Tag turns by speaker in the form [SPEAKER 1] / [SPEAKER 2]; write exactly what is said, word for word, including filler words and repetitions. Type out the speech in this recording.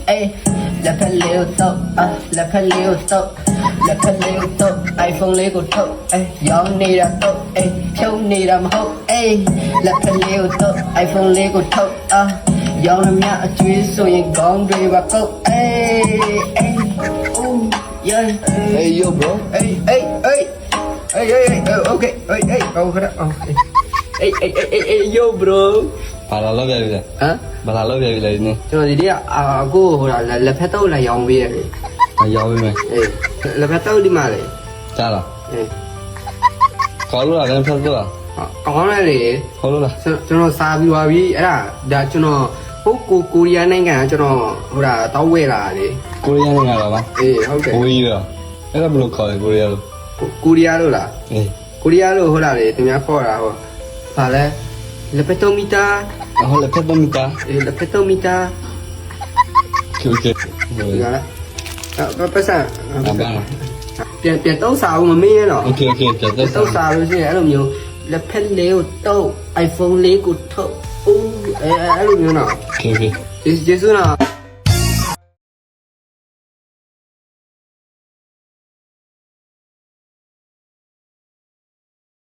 [SPEAKER 1] ayy လက်ဖက်လေးကိုတော့အာလက်ဖက်လေးကိုတော့လက်ဖက်လေးကိုတော့ iPhone လေးကိုထုတ်အေးရောင်းနေတာတော့အေးဖြုံးနေတာမဟုတ်အေးလက်ဖက်လေးကိုတော့ iPhone လေးကိုထုတ်အာရောင်းရမြအကျွေးဆိုရင်ကောင်းတွေပါကုတ်အေးအေး oh yeah
[SPEAKER 2] Hey yo bro.
[SPEAKER 1] hey hey hey hey hey hey okay hey hey oh khara oh hey hey hey hey yo bro
[SPEAKER 2] ဘာလာလောက်ပြပြီလဲ
[SPEAKER 1] ဟမ်
[SPEAKER 2] ဘာလာလောက်ပြပြီလဲဒီနေ့
[SPEAKER 1] ကျွန်တော်ဒီနေ့အာကိုဟိုလက်ဖက်တော့လာရောင်းပေးရတယ်
[SPEAKER 2] အရောက်ပြီမယ်
[SPEAKER 1] အေးလက်ဖက်တော့ဒီမှာလေ
[SPEAKER 2] ကြားလား
[SPEAKER 1] အေး
[SPEAKER 2] ခေါ်လို့လားလည်းဖတ်လို့လား
[SPEAKER 1] ကောင်းတယ်လေ
[SPEAKER 2] ခေါ်လို့လား
[SPEAKER 1] ကျွန်တော်စားပြီးသွားပြီအဲ့ဒါဒါကျွန်တော်ဟိုကိုကိုရီးယားနိုင်ငံကကျွန်တော်ဟိုဒါတောက်ဝဲလာလေ
[SPEAKER 2] ကိုရီးယားနိုင်ငံလားပါ
[SPEAKER 1] အေးဟုတ်တယ်
[SPEAKER 2] ကိုရီးယားအဲ့ဒါဘယ်လိုခေါ်လဲကိုရီးယားလို့
[SPEAKER 1] ကိုရီးယားလို့လား
[SPEAKER 2] အေး
[SPEAKER 1] ကိုရီးယားလို့ဟိုလာလေသူများခေါ်တာဟိုဗာလဲလက်ပတိုမီတာ
[SPEAKER 2] ဟောလည်းဖတ်တော့မိတာ
[SPEAKER 1] အေးလက်ပတိုမီတာ
[SPEAKER 2] โอเค
[SPEAKER 1] ဒီကလားအပတ်စံ
[SPEAKER 2] အဘာ
[SPEAKER 1] ပြန်ပြန်တော့စားအောင်မမေးရတော့
[SPEAKER 2] โอเคโอเคပြတ်
[SPEAKER 1] တော့
[SPEAKER 2] တော့
[SPEAKER 1] စားလို့ရှိရင်အဲ့လိုမျိုးလက်ဖက်လေးကိုတော့ iPhone လေးကိုထုတ်အိုးအဲအဲ့လိုမျိုးနော်
[SPEAKER 2] โอเคโอเค
[SPEAKER 1] ကျေးဇူးနော်